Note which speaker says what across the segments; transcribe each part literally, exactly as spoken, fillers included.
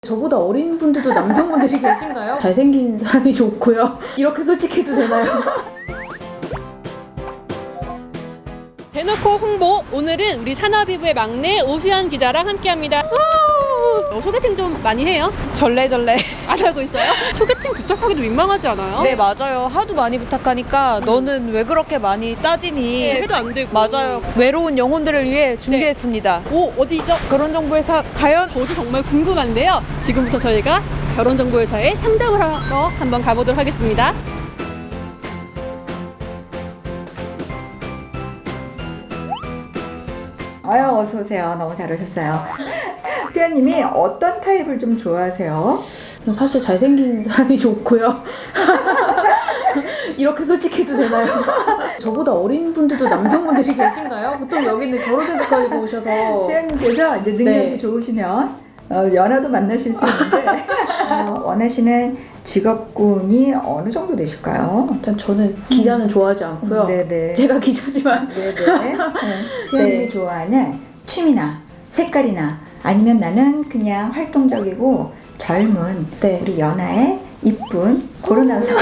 Speaker 1: 저보다 어린 분들도 남성분들이 계신가요? 잘생긴 사람이 좋고요. 이렇게 솔직해도 되나요?
Speaker 2: 대놓고 홍보! 오늘은 우리 산하비부의 막내 오수연 기자랑 함께합니다. 어, 소개팅 좀 많이 해요?
Speaker 3: 절레절레.
Speaker 2: 안 하고 있어요? 소개팅 부탁하기도 민망하지 않아요?
Speaker 3: 네, 맞아요. 하도 많이 부탁하니까
Speaker 2: 음.
Speaker 3: 너는 왜 그렇게 많이 따지니?
Speaker 2: 네, 해도 안 되고.
Speaker 3: 맞아요. 외로운 영혼들을 위해 준비했습니다.
Speaker 2: 오, 어디죠?
Speaker 3: 결혼정보회사 과연?
Speaker 2: 저도 정말 궁금한데요. 지금부터 저희가 결혼정보회사에 상담을 하러 한번 가보도록 하겠습니다.
Speaker 4: 아유, 어서 오세요. 너무 잘 오셨어요. 수연님이 어떤 타입을 좀 좋아하세요?
Speaker 1: 저는 사실 잘생긴 사람이 좋고요. 이렇게 솔직해도 되나요? 저보다 어린 분들도 남성분들이 계신가요? 보통 여기는 결혼생각 가지고 오셔서.
Speaker 4: 수연님께서 이제 능력이
Speaker 1: 네.
Speaker 4: 좋으시면 어, 연하도 만나실 수 있는데 어, 원하시는 직업군이 어느 정도 되실까요?
Speaker 1: 일단 저는 기자는 좋아하지 않고요.
Speaker 4: 네네.
Speaker 1: 제가 기자지만.
Speaker 4: 네네. 수연님이
Speaker 1: 네.
Speaker 4: 좋아하는 취미나 색깔이나 아니면 나는 그냥 활동적이고 젊은
Speaker 1: 네.
Speaker 4: 우리 연하의 이쁜 그런 남성.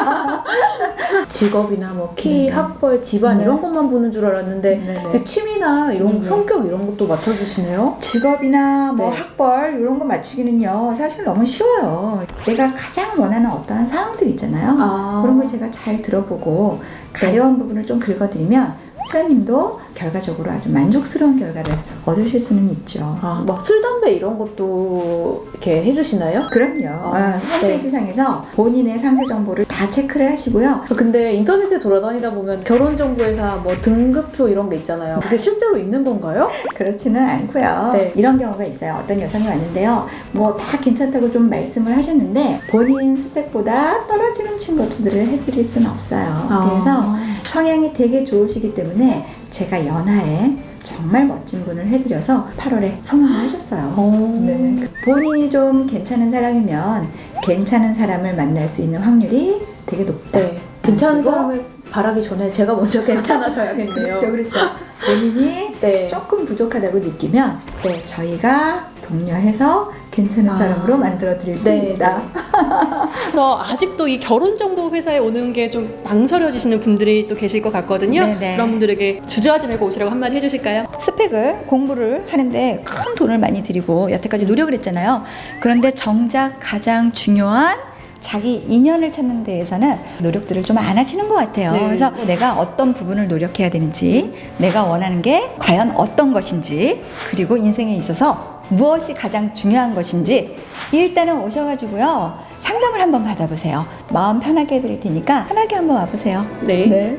Speaker 1: 직업이나 뭐 키,
Speaker 4: 네.
Speaker 1: 학벌, 집안
Speaker 4: 네.
Speaker 1: 이런 것만 보는 줄 알았는데
Speaker 4: 네네.
Speaker 1: 취미나 이런
Speaker 4: 네.
Speaker 1: 성격 이런 것도 맞춰주시네요.
Speaker 4: 직업이나 뭐
Speaker 1: 네.
Speaker 4: 학벌 이런 거 맞추기는요 사실 너무 쉬워요. 내가 가장 원하는 어떠한 사항들 있잖아요.
Speaker 1: 아.
Speaker 4: 그런 거 제가 잘 들어보고 가려운 부분을 좀 긁어드리면 수연님도 결과적으로 아주 만족스러운 결과를 얻으실 수는 있죠.
Speaker 1: 아, 막 술, 담배 이런 것도 이렇게 해주시나요?
Speaker 4: 그럼요.
Speaker 1: 아,
Speaker 4: 어, 홈페이지 상에서 본인의 상세 정보를 다 체크를 하시고요.
Speaker 1: 근데 인터넷에 돌아다니다 보면 결혼정보회사 뭐 등급표 이런 게 있잖아요. 그게 실제로 있는 건가요?
Speaker 4: 그렇지는 않고요.
Speaker 1: 네.
Speaker 4: 이런 경우가 있어요. 어떤 여성이 왔는데요. 뭐 다 괜찮다고 좀 말씀을 하셨는데 본인 스펙보다 떨어지는 친구들을 해드릴 수는 없어요. 그래서 성향이 되게 좋으시기 때문에 제가 연하에 정말 멋진 분을 해드려서 팔월에 성공을 하셨어요.
Speaker 1: 어.
Speaker 4: 네. 본인이 좀 괜찮은 사람이면 괜찮은 사람을 만날 수 있는 확률이 되게 높다.
Speaker 1: 네. 괜찮은
Speaker 4: 그리고
Speaker 1: 사람을 바라기 전에 제가 먼저 괜찮아져야겠네요.
Speaker 4: 그렇죠, 그렇죠. 본인이
Speaker 1: 네.
Speaker 4: 조금 부족하다고 느끼면
Speaker 1: 네.
Speaker 4: 저희가 독려해서 괜찮은
Speaker 1: 아.
Speaker 4: 사람으로 만들어 드릴 수
Speaker 1: 네,
Speaker 4: 있다.
Speaker 2: 그래서 아직도 이 결혼정보회사에 오는 게 좀 망설여지시는 분들이 또 계실 것 같거든요.
Speaker 4: 네네.
Speaker 2: 그런 분들에게 주저하지 말고 오시라고 한마디 해주실까요?
Speaker 4: 스펙을 공부를 하는데 큰 돈을 많이 들이고 여태까지 노력을 했잖아요. 그런데 정작 가장 중요한 자기 인연을 찾는 데에서는 노력들을 좀 안 하시는 것 같아요.
Speaker 2: 네.
Speaker 4: 그래서 내가 어떤 부분을 노력해야 되는지, 내가 원하는 게 과연 어떤 것인지, 그리고 인생에 있어서 무엇이 가장 중요한 것인지 일단은 오셔가지고요 상담을 한번 받아보세요. 마음 편하게 해드릴 테니까 편하게 한번 와보세요.
Speaker 2: 네.
Speaker 4: 네.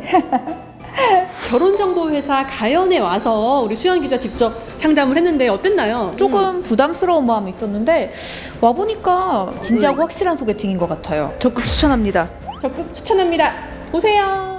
Speaker 2: 결혼정보회사 가연에 와서 우리 수연 기자 직접 상담을 했는데 어땠나요?
Speaker 3: 조금 부담스러운 마음이 있었는데 와보니까 진짜고
Speaker 2: 음.
Speaker 3: 확실한 소개팅인 것 같아요. 적극 추천합니다.
Speaker 2: 적극 추천합니다. 보세요.